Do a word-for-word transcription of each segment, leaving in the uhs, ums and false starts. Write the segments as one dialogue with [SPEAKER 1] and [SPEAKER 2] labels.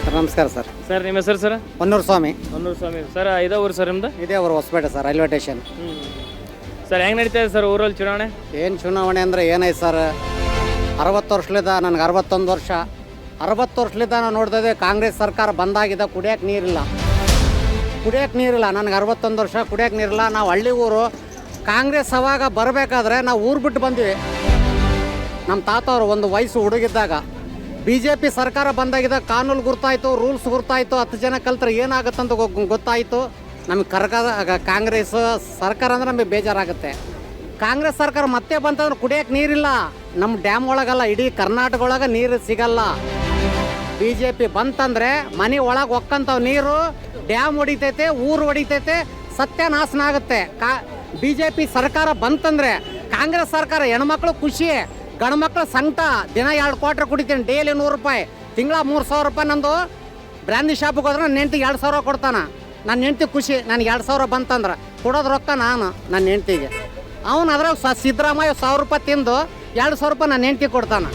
[SPEAKER 1] Sir ನಮಸ್ಕಾರ sir.
[SPEAKER 2] Sir ನಿಮ್ಮ ಹೆಸರು ಸರ್?
[SPEAKER 1] ಹೊನ್ನೂರು ಸ್ವಾಮಿ.
[SPEAKER 2] ಹೊನ್ನೂರು ಸ್ವಾಮಿ ಸರ್. ಇದೇ ಊರು ಸರ್ ನಿಮ್ದು?
[SPEAKER 1] ಇದೇ ಅವರು Hosapete sir, railway station.
[SPEAKER 2] Sir ಹೆಂಗೆ ನಡೀತಾ ಇದೆ ಸರ್ ಊರಲ್ಲಿ ಚುನಾವಣೆ?
[SPEAKER 1] ಏನು ಚುನಾವಣೆ ಅಂದರೆ ಏನೈತೆ ಸರ್, ಅರವತ್ತು ವರ್ಷಲಿದ್ದ ನನಗೆ ಅರವತ್ತೊಂದು ವರ್ಷ ಅರವತ್ತು ವರ್ಷಲಿದ್ದ ನಾನು ನೋಡ್ತಾ ಇದ್ದೆ ಕಾಂಗ್ರೆಸ್ ಸರ್ಕಾರ ಬಂದಾಗಿದೆ. ಕುಡಿಯೋಕೆ ನೀರಿಲ್ಲ, ಕುಡಿಯೋಕೆ ನೀರಿಲ್ಲ. ನನಗೆ ಅರವತ್ತೊಂದು ವರ್ಷ, ಕುಡಿಯೋಕೆ ನೀರಿಲ್ಲ. ನಾವು ಹಳ್ಳಿ ಊರು. ಕಾಂಗ್ರೆಸ್ ಅವಾಗ ಬರಬೇಕಾದ್ರೆ ನಾವು ಊರು ಬಿಟ್ಟು ಬಂದ್ವಿ. ನಮ್ಮ ತಾತವರು ಒಂದು ವಯಸ್ಸು ಹುಡುಗಿದ್ದಾಗ ಬಿ ಜೆ ಪಿ ಸರ್ಕಾರ ಬಂದಾಗಿದ್ದ ಕಾನೂನು ಗುರ್ತಾಯಿತು, ರೂಲ್ಸ್ ಗುರ್ತಾಯಿತು. ಹತ್ತು ಜನ ಕಲ್ತ್ರೆ ಏನಾಗುತ್ತಂತ ಗೊತ್ತಾಯಿತು. ನಮಗೆ ಕರ್ಕ ಕಾಂಗ್ರೆಸ್ ಸರ್ಕಾರ ಅಂದರೆ ನಮಗೆ ಬೇಜಾರಾಗುತ್ತೆ. ಕಾಂಗ್ರೆಸ್ ಸರ್ಕಾರ ಮತ್ತೆ ಬಂತಂದ್ರೆ ಕುಡಿಯೋಕೆ ನೀರಿಲ್ಲ. ನಮ್ಮ ಡ್ಯಾಮ್ ಒಳಗಲ್ಲ, ಇಡೀ ಕರ್ನಾಟಕ ಒಳಗೆ ನೀರು ಸಿಗಲ್ಲ. ಬಿ ಜೆ ಪಿ ಬಂತಂದರೆ ಮನೆ ಒಳಗೆ ಒಕ್ಕಂತವ್ ನೀರು, ಡ್ಯಾಮ್ ಹೊಡಿತೈತೆ, ಊರು ಹೊಡಿತೈತೆ, ಸತ್ಯನಾಶನ ಆಗುತ್ತೆ. ಕಾ ಬಿ ಜೆ ಪಿ ಸರ್ಕಾರ ಬಂತಂದರೆ ಕಾಂಗ್ರೆಸ್ ಸರ್ಕಾರ ಹೆಣ್ಮಕ್ಳು ಖುಷಿ, ಗಂಡ್ಮಕ್ಳು ಸಂಕಟ. ದಿನ ಎರಡು ಕ್ವಾಟ್ರ್ ಕುಡಿತೀನಿ, ಡೈಲಿ ನೂರು ರೂಪಾಯಿ, ತಿಂಗಳ ಮೂರು ಸಾವಿರ ರೂಪಾಯಿ. ನಂದು ಬ್ರ್ಯಾಂಡಿ ಶಾಪಿಗೆ ಹೋದ್ರೆ ನನ್ನ ಹೆಂಡ್ತಿಗೆ ಎರಡು ಸಾವಿರ ಕೊಡ್ತಾನೆ. ನನ್ನ ಹೆಂಡ್ತಿ ಖುಷಿ, ನನಗೆ ಎರಡು ಸಾವಿರ ಬಂತಂದ್ರೆ ಕೊಡೋದು ರೊಕ್ಕ ನಾನು ನನ್ನ ಹೆಂಡ್ತಿಗೆ. ಅವನು ಅದ್ರಾಗ ಸ ಸಿದ್ದರಾಮಯ್ಯ ಸಾವಿರ ರೂಪಾಯಿ ತಿಂದು ಎರಡು ಸಾವಿರ ರೂಪಾಯಿ ನನ್ನ ಹೆಂಡ್ತಿಗೆ ಕೊಡ್ತಾನೆ.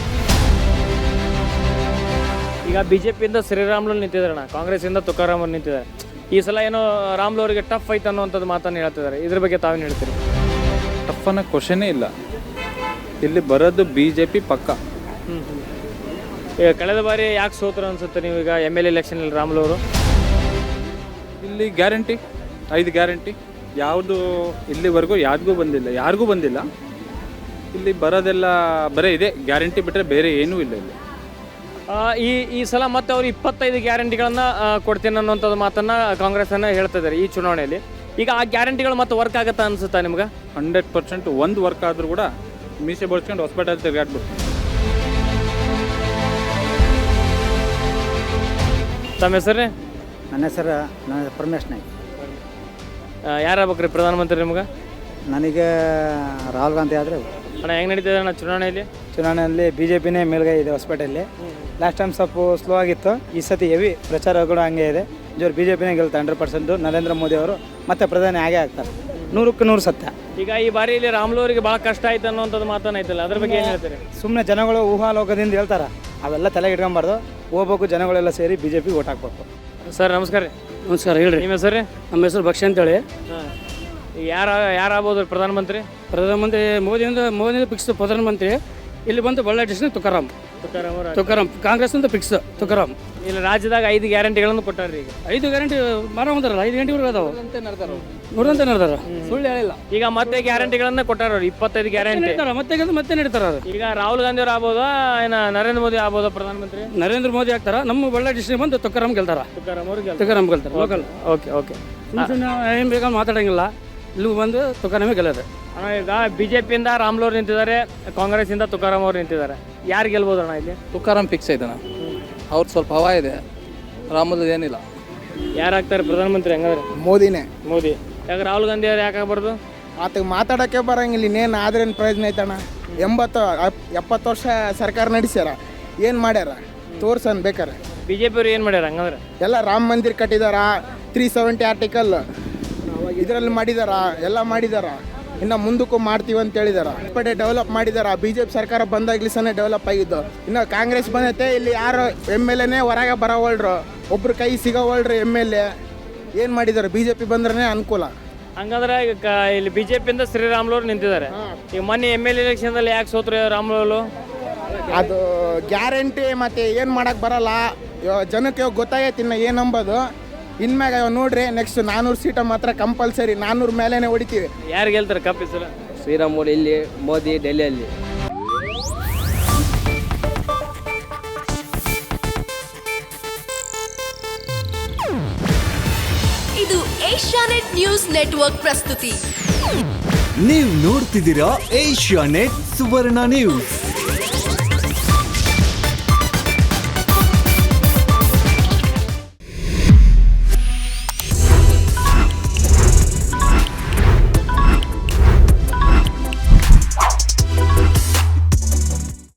[SPEAKER 2] ಈಗ ಬಿ ಜೆ ಪಿಯಿಂದ ಶ್ರೀರಾಮ್ಲು ನಿಂತಿದ್ದಾರಣ್ಣ, ಕಾಂಗ್ರೆಸ್ಸಿಂದ ತುಕಾರಾಮ್ ಅವ್ರು ನಿಂತಿದ್ದಾರೆ. ಈ ಸಲ ಏನೋ ರಾಮ್ಲು ಅವರಿಗೆ ಟಫ್ ಐತೆ ಅನ್ನೋವಂಥದ್ದು ಮಾತನ್ನು ಹೇಳ್ತಿದ್ದಾರೆ. ಇದ್ರ ಬಗ್ಗೆ ತಾವೇನು ಹೇಳ್ತೀರಿ?
[SPEAKER 3] ಟಫ್ ಅನ್ನೋ ಕ್ವಶನೇ ಇಲ್ಲ. ಇಲ್ಲಿ ಬರೋದು ಬಿ ಜೆ ಪಿ ಪಕ್ಕ.
[SPEAKER 2] ಹ್ಞೂ ಈಗ ಕಳೆದ ಬಾರಿ ಯಾಕೆ ಸೋತರು ಅನ್ಸುತ್ತೆ ನೀವು ಈಗ ಎಮ್ ಎಲ್ ಎಲೆಕ್ಷನಲ್ಲಿ ರಾಮ್ಲು ಅವರು?
[SPEAKER 3] ಇಲ್ಲಿ ಗ್ಯಾರಂಟಿ, ಐದು ಗ್ಯಾರಂಟಿ ಯಾವುದು ಇಲ್ಲಿವರೆಗೂ ಯಾರಿಗೂ ಬಂದಿಲ್ಲ, ಯಾರಿಗೂ ಬಂದಿಲ್ಲ. ಇಲ್ಲಿ ಬರೋದೆಲ್ಲ ಬರೀ ಇದೆ ಗ್ಯಾರಂಟಿ ಬಿಟ್ಟರೆ ಬೇರೆ ಏನೂ ಇಲ್ಲ ಇಲ್ಲಿ.
[SPEAKER 2] ಈ ಈ ಸಲ ಮತ್ತೆ ಅವರು ಇಪ್ಪತ್ತೈದು ಗ್ಯಾರಂಟಿಗಳನ್ನು ಕೊಡ್ತೀನಿ ಅನ್ನೋಂಥದ್ದು ಮಾತನ್ನು ಕಾಂಗ್ರೆಸ್ಸನ್ನು ಹೇಳ್ತಾ ಇದ್ದಾರೆ ಈ ಚುನಾವಣೆಯಲ್ಲಿ. ಈಗ ಆ ಗ್ಯಾರಂಟಿಗಳು ಮತ್ತೆ ವರ್ಕ್ ಆಗುತ್ತಾ ಅನ್ಸುತ್ತಾ ನಿಮ್ಗೆ?
[SPEAKER 3] ಹಂಡ್ರೆಡ್ ಪರ್ಸೆಂಟ್ ಒಂದು ವರ್ಕ್ ಆದರೂ ಕೂಡ ಮೀಸೆ ಬಳಸ್ಕೊಂಡು ಹಾಸ್ಪಿಟಲ್ ತಿರುಗಾಡ್ಬಿಟ್ಟು.
[SPEAKER 2] ತಮ್ಮ ಹೆಸರೇ?
[SPEAKER 1] ನನ್ನ ಹೆಸರು ನನ್ನ ಪರಮೇಶ್ ನಾಯ್ಕ.
[SPEAKER 2] ಯಾರಾಗ್ಬೇಕ್ರಿ ಪ್ರಧಾನಮಂತ್ರಿ ನಿಮ್ಗೆ?
[SPEAKER 1] ನನಗೆ ರಾಹುಲ್ ಗಾಂಧಿ ಆದರೆ.
[SPEAKER 2] ಅಣ್ಣ ಹೆಂಗೆ ನಡೀತಿದೆ ಅಣ್ಣ ಚುನಾವಣೆಯಲ್ಲಿ?
[SPEAKER 4] ಚುನಾವಣೆಯಲ್ಲಿ ಬಿ ಜೆ ಪಿನೇ ಮೇಲ್ಗೈ ಇದೆ ಹೊಸಪೇಟೆಯಲ್ಲಿ. ಲಾಸ್ಟ್ ಟೈಮ್ ಸ್ವಲ್ಪ ಸ್ಲೋ ಆಗಿತ್ತು, ಈ ಸತಿ ಹೆವಿ ಪ್ರಚಾರ ಕೂಡ ಹಂಗೆ ಇದೆ. ಜೋರು ಬಿ ಜೆ ಪಿನೇ ಗೆಲ್ತಾರೆ ಹಂಡ್ರೆಡ್ ಪರ್ಸೆಂಟು. ನರೇಂದ್ರ ಮೋದಿ ಅವರು ಮತ್ತೆ ಪ್ರಧಾನಿ ಆಗೇ ಆಗ್ತಾರೆ, ನೂರಕ್ಕೆ ನೂರು ಸತ್ಯ.
[SPEAKER 2] ಈಗ ಈ ಬಾರಿ ಇಲ್ಲಿ ರಾಮ್ಲು ಅವರಿಗೆ ಭಾಳ ಕಷ್ಟ ಆಯ್ತು ಅನ್ನೋಂಥದ್ದು ಮಾತನ್ನ ಐತಲ್ಲ, ಅದ್ರ ಬಗ್ಗೆ ಏನು ಹೇಳ್ತಾರೆ?
[SPEAKER 4] ಸುಮ್ಮನೆ ಜನಗಳು ಊಹಾಲೋಕದಿಂದ ಹೇಳ್ತಾರೆ, ಅವೆಲ್ಲ ತಲೆಗೆ ಇಟ್ಕೊಂಬಾರ್ದು. ಹೋಗ್ಬೇಕು, ಜನಗಳೆಲ್ಲ ಸೇರಿ ಬಿ ಜೆ ಪಿ ಓಟ್ ಹಾಕ್ಬೇಕು.
[SPEAKER 2] ಸರ್ ನಮಸ್ಕಾರ ರೀ.
[SPEAKER 5] ನಮಸ್ಕಾರ, ಹೇಳ್ರಿ.
[SPEAKER 2] ನಿಮ್ಮ ಹೆಸರು?
[SPEAKER 5] ನಮ್ಮ ಹೆಸರು ಭಕ್ಷ್ಯ ಅಂತೇಳಿ.
[SPEAKER 2] ಹಾಂ, ಯಾರು ಯಾರಾಗ್ಬೋದು ಪ್ರಧಾನಮಂತ್ರಿ?
[SPEAKER 5] ಪ್ರಧಾನಮಂತ್ರಿ ಮೋದಿಯಿಂದ ಮೋದಿಯಿಂದ ಫಿಕ್ಸ್ ಪ್ರಧಾನಮಂತ್ರಿ. ಇಲ್ಲಿ ಬಂದು ಬಳ್ಳಾರಿ ಡಿಸ್ಟ್ರಿಕ್ಟ್ ತುಕಾರಾಮ್
[SPEAKER 2] ತುಕಾರಾಮ್ ಅವರು
[SPEAKER 5] ತುಕಾರಾಮ್ ಕಾಂಗ್ರೆಸ್ನಿಂದ ಫಿಕ್ಸ್ ತುಕಾರಾಮ್.
[SPEAKER 2] ಇಲ್ಲಿ ರಾಜ್ಯದಾಗ ಐದು ಗ್ಯಾರಂಟಿಗಳನ್ನು ಕೊಟ್ಟಾರ್ರಿ. ಈಗ
[SPEAKER 5] ಐದು ಗ್ಯಾರಂಟಿ ಮಾರ ಹೊಂದಾರಲ್ಲ, ಐದು ಗಂಟೆವರೆಗೂ ಅದಾವ ನೋಡಂತ ನಡೆದಾರ, ಸುಳ್ಳು ಹೇಳಿಲ್ಲ.
[SPEAKER 2] ಈಗ ಮತ್ತೆ ಗ್ಯಾರಂಟಿಗಳನ್ನ ಕೊಟ್ಟಾರ ಅವ್ರು, ಇಪ್ಪತ್ತೈದು ಗ್ಯಾರಂಟಿ
[SPEAKER 5] ಮತ್ತೆ ಗೆದ್ದು ಮತ್ತೆ ನಡೀತಾರ.
[SPEAKER 2] ಈಗ ರಾಹುಲ್ ಗಾಂಧಿ ಅವ್ರು ಆಗ್ಬೋದಾ, ಏನ ನರೇಂದ್ರ ಮೋದಿ ಆಗ್ಬೋದಾ ಪ್ರಧಾನಮಂತ್ರಿ?
[SPEAKER 5] ನರೇಂದ್ರ ಮೋದಿ ಆಗ್ತಾರ. ನಮ್ಮ ಬಳ್ಳಾರಿ ಡಿಸ್ಟ್ರಿಕ್ಟ್ ಬಂದು ತುಕಾರಾಮ್ ಗೆಲ್ತಾರ.
[SPEAKER 2] ತುಕಾರಾಮ್ ಅವ್ರಿಗೆ
[SPEAKER 5] ತುಕಾರಾಮ್ ಗೆಲ್ತಾರೆ ಲೋಕಲ್.
[SPEAKER 2] Okay okay.
[SPEAKER 5] ಏನು ಬೇಕಾದ್ರೆ ಮಾತಾಡಂಗಿಲ್ಲ, ಇಲ್ಲಿ ಬಂದು ತುಕಾರಾಮೇ ಗೆಲ್ಲೋದು.
[SPEAKER 2] ಅಣ್ಣ ಈಗ ಬಿ ಜೆ ಪಿಯಿಂದ ರಾಮ್ಲು ಅವ್ರು ನಿಂತಿದ್ದಾರೆ, ಕಾಂಗ್ರೆಸ್ಸಿಂದ ತುಕಾರಾಮ್ ಅವ್ರು ನಿಂತಿದ್ದಾರೆ. ಯಾರು ಗೆಲ್ಬೋದು ಅಣ್ಣ ಇಲ್ಲಿ?
[SPEAKER 6] ತುಕಾರಾಮ್ ಫಿಕ್ಸ್ ಐತಣ್ಣ, ಅವ್ರು ಸ್ವಲ್ಪ ಹವಾ ಇದೆ, ರಾಮುಲು ಏನಿಲ್ಲ.
[SPEAKER 2] ಯಾರಾಗ್ತಾರೆ ಪ್ರಧಾನಮಂತ್ರಿ? ಹಂಗಾದ್ರೆ
[SPEAKER 7] ಮೋದಿನೇ.
[SPEAKER 2] ಮೋದಿ. ಯಾಕೆ ರಾಹುಲ್ ಗಾಂಧಿ ಅವ್ರು ಯಾಕೆ ಆಗ್ಬಾರ್ದು?
[SPEAKER 7] ಆತಗೆ ಮಾತಾಡೋಕ್ಕೆ ಬರಂಗಿಲ್ಲ, ಇನ್ನೇನು ಆದ್ರೇನು ಪ್ರಯೋಜನ ಐತಣ್ಣ? ಎಂಬತ್ತು ಎಪ್ಪತ್ತು ವರ್ಷ ಸರ್ಕಾರ ನಡೆಸ್ಯಾರ, ಏನು ಮಾಡ್ಯಾರ ತೋರ್ಸನ್ ಬೇಕಾರೆ.
[SPEAKER 2] ಬಿ ಜೆ ಪಿ ಅವ್ರು ಏನು ಮಾಡ್ಯಾರ ಹಂಗಂದ್ರೆ?
[SPEAKER 7] ಎಲ್ಲ ರಾಮ ಮಂದಿರ ಕಟ್ಟಿದಾರ, ತ್ರೀ ಸೆವೆಂಟಿ ಆರ್ಟಿಕಲ್ ಇದರಲ್ಲಿ ಮಾಡಿದಾರ, ಎಲ್ಲ ಮಾಡಿದಾರ. ಇನ್ನು ಮುಂದಕ್ಕೂ ಮಾಡ್ತೀವಿ ಅಂತ ಹೇಳಿದಾರ. ಪಡೆ ಡೆವಲಪ್ ಮಾಡಿದಾರ. ಬಿ ಜೆ ಪಿ ಸರ್ಕಾರ ಬಂದಾಗ್ಲಿಸನೇ ಡೆವಲಪ್ ಆಗಿದ್ದು. ಇನ್ನು ಕಾಂಗ್ರೆಸ್ ಬಂದೈತೆ, ಇಲ್ಲಿ ಯಾರು ಎಮ್ ಎಲ್ ಎನೇ ಹೊರಗೆ ಬರೋವಳ್ರು, ಒಬ್ರು ಕೈ ಸಿಗೋವಳ್ರು ಎಮ್ ಎಲ್ ಎ. ಏನು ಮಾಡಿದಾರೆ? ಬಿ ಜೆ ಪಿ ಬಂದ್ರೆ ಅನುಕೂಲ.
[SPEAKER 2] ಹಂಗಂದ್ರೆ ಈಗ ಕ- ಇಲ್ಲಿ ಬಿ ಜೆ ಪಿಯಿಂದ ಶ್ರೀರಾಮ್ಲು ಅವ್ರು ನಿಂತಿದ್ದಾರೆ. ಈಗ ಮೊನ್ನೆ ಎಮ್ ಎಲ್ ಎಲೆಕ್ಷನ್ದಲ್ಲಿ ಯಾಕೆ ಸೋತ್ರು ರಾಮ್ಲು ಅವರು?
[SPEAKER 7] ಅದು ಗ್ಯಾರಂಟಿ ಮತ್ತೆ ಏನು ಮಾಡಕ್ಕೆ ಬರಲ್ಲ. ಇವಾಗ ಜನಕ್ಕೆ ಇವಾಗ ಗೊತ್ತಾಗೈತಿ ಇನ್ನು ಏನು ಅಂಬೋದು. ಇನ್ಮ್ಯಾಗ ಇವಾಗ ನೋಡ್ರಿ, ನೆಕ್ಸ್ಟ್ ನಾನ್ನೂರು ಸೀಟ ಮಾತ್ರ ಕಂಪಲ್ಸರಿ, ನಾನ್ನೂರು ಮೇಲೇನೆ ಹೊಡಿತೀವಿ.
[SPEAKER 2] ಯಾರು ಗೆಲ್ತಾರೆ ಕಪ್ ಈ ಸಲ?
[SPEAKER 6] ಶ್ರೀರಾಮುಲು ಇಲ್ಲಿ, ಮೋದಿ ಡೆಲ್ಲಿಯಲ್ಲಿ.
[SPEAKER 8] ಇದು ಏಷ್ಯಾನೆಟ್ ನ್ಯೂಸ್ ನೆಟ್ವರ್ಕ್ ಪ್ರಸ್ತುತಿ.
[SPEAKER 9] ನೀವು ನೋಡ್ತಿದ್ದೀರಾ ಏಷ್ಯಾನೆಟ್ ಸುವರ್ಣ ನ್ಯೂಸ್.